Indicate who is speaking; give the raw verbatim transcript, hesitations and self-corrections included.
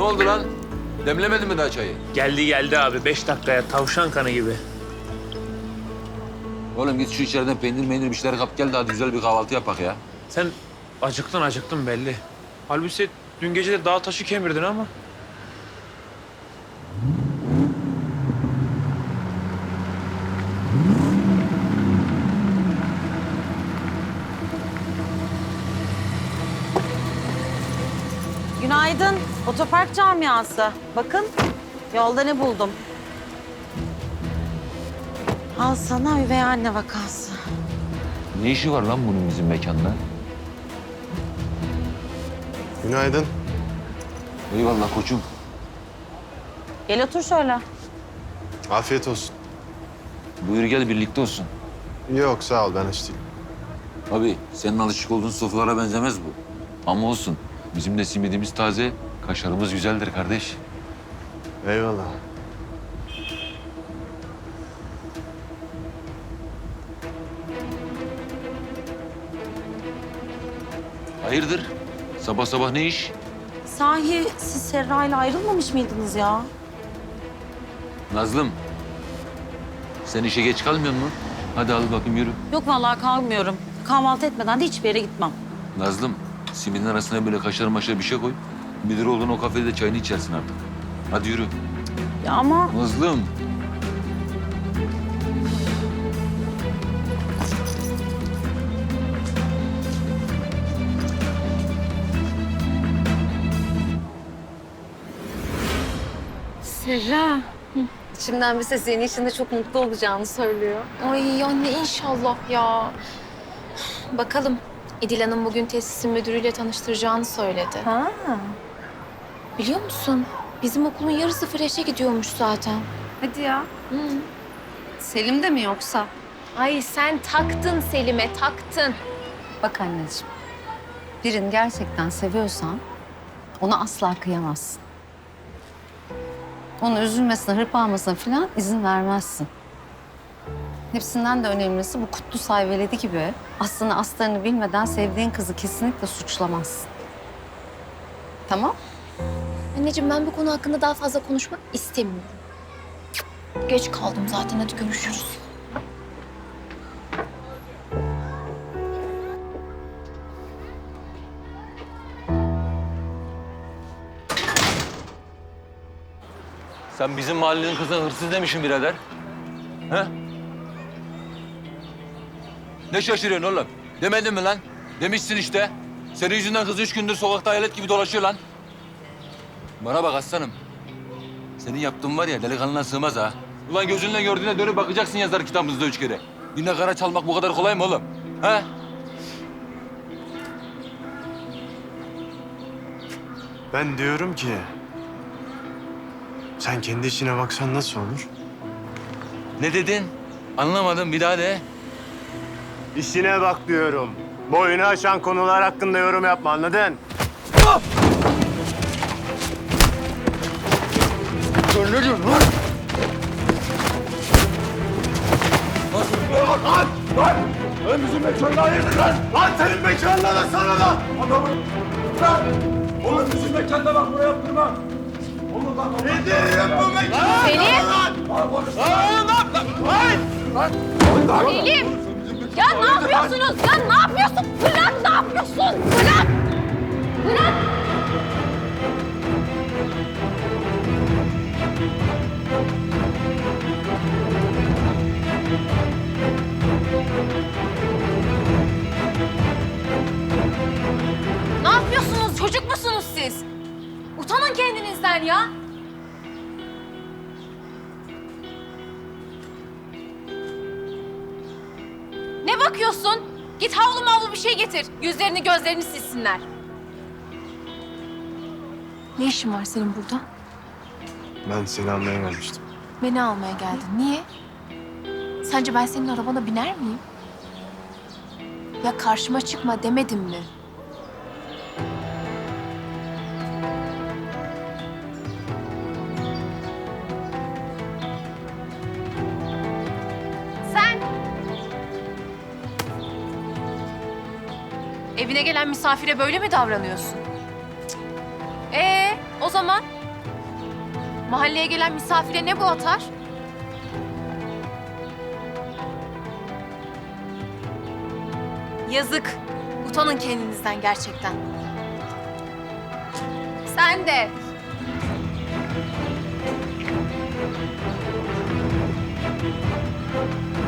Speaker 1: Ne oldu lan? Demlemedin mi daha çayı?
Speaker 2: Geldi geldi abi. Beş dakikaya tavşan kanı gibi.
Speaker 1: Oğlum git şu içeriden peynir meynir bir şeyler kap gel de hadi güzel bir kahvaltı yapak ya.
Speaker 2: Sen acıktın acıktın belli. Halbuki dün gece de dağ taşı kemirdin ama.
Speaker 3: Günaydın. Otopark camiası. Bakın yolda ne buldum. Al sana üvey anne vakası.
Speaker 1: Ne işi var lan bunun bizim mekanda?
Speaker 4: Günaydın.
Speaker 1: Eyvallah koçum.
Speaker 3: Gel otur şöyle.
Speaker 4: Afiyet olsun.
Speaker 1: Buyur gel birlikte olsun.
Speaker 4: Yok sağ ol ben aç değilim.
Speaker 1: Abi senin alışık olduğun sofralara benzemez bu. Ama olsun. Bizim de simidimiz taze, kaşarımız güzeldir kardeş.
Speaker 4: Eyvallah.
Speaker 1: Hayırdır? Sabah sabah ne iş?
Speaker 3: Sahi siz Serra ile ayrılmamış mıydınız ya?
Speaker 1: Nazlım. Sen işe geç kalmıyor musun? Hadi al bakayım yürü.
Speaker 3: Yok vallahi kalmıyorum. Kahvaltı etmeden de hiçbir yere gitmem.
Speaker 1: Nazlım, simidin arasına böyle kaşar maşar bir şey koy. Müdür olduğun o kafede de çayını içersin artık. Hadi yürü.
Speaker 3: Ya ama
Speaker 1: Nazlım.
Speaker 5: Serra.
Speaker 6: İçimden bir ses senin için de çok mutlu olacağını söylüyor.
Speaker 5: Ay anne inşallah ya. Bakalım. İdil Hanım bugün tesisin müdürüyle tanıştıracağını söyledi.
Speaker 6: Ha.
Speaker 5: Biliyor musun? Bizim okulun yarısı freşe gidiyormuş zaten.
Speaker 6: Hadi ya.
Speaker 5: Hı.
Speaker 6: Selim de mi yoksa?
Speaker 5: Ay sen taktın Selim'e, taktın.
Speaker 6: Bak anneciğim. Birini gerçekten seviyorsan ona asla kıyamazsın. Onun üzülmesine, hırpalamasına falan izin vermezsin. Hepsinden de önemlisi bu Kutlu Sayveledi gibi aslında aslarını bilmeden sevdiğin kızı kesinlikle suçlamazsın. Tamam?
Speaker 5: Anneciğim ben bu konu hakkında daha fazla konuşmak istemiyorum. Geç kaldım zaten, hadi görüşürüz.
Speaker 1: Sen bizim mahallenin kızına hırsız demişsin birader. He? Ne şaşırıyorsun oğlum? Demedin mi lan? Demişsin işte. Senin yüzünden kız üç gündür sokakta hayalet gibi dolaşıyor lan. Bana bak aslanım. Senin yaptığın var ya delikanlına sığmaz ha. Ulan gözünle gördüğüne dönüp bakacaksın yazar kitabımızda üç kere. Birine kara çalmak bu kadar kolay mı oğlum? He?
Speaker 4: Ben diyorum ki... Sen kendi işine baksan nasıl olur?
Speaker 1: Ne dedin? Anlamadım bir daha de.
Speaker 4: İşine bak diyorum. Boyunu aşan konular hakkında yorum yapma anladın?
Speaker 1: Dur ne diyorsun lan?
Speaker 4: Lan! Lan! Lan bizim mekanına hayırdır lan! Lan senin mekanına da sana da! Adamı... Lan! Oğlum bizim mekanda bak buraya yaptırma! Oğlum lan... Ne diyeyim bu mekana?
Speaker 5: Selim!
Speaker 4: Lan! Lan! Lan! Lan!
Speaker 5: Selim! Ya ne yapıyorsunuz? Ya ne yapıyorsun? Bırak, ne yapıyorsun? Bırak! Bırak! Ne yapıyorsunuz? Çocuk musunuz siz? Utanın kendinizden ya. Ne bakıyorsun? Git havlu mavlu bir şey getir. Yüzlerini gözlerini silsinler. Ne işin var senin burada?
Speaker 4: Ben seni almaya gelmiştim.
Speaker 5: Beni almaya geldin. Niye? Sence ben senin arabana biner miyim? Ya karşıma çıkma demedim mi? Sen! Evine gelen misafire böyle mi davranıyorsun? Cık. Ee, O zaman mahalleye gelen misafire ne bu atar? Yazık. Utanın kendinizden gerçekten. Sen de.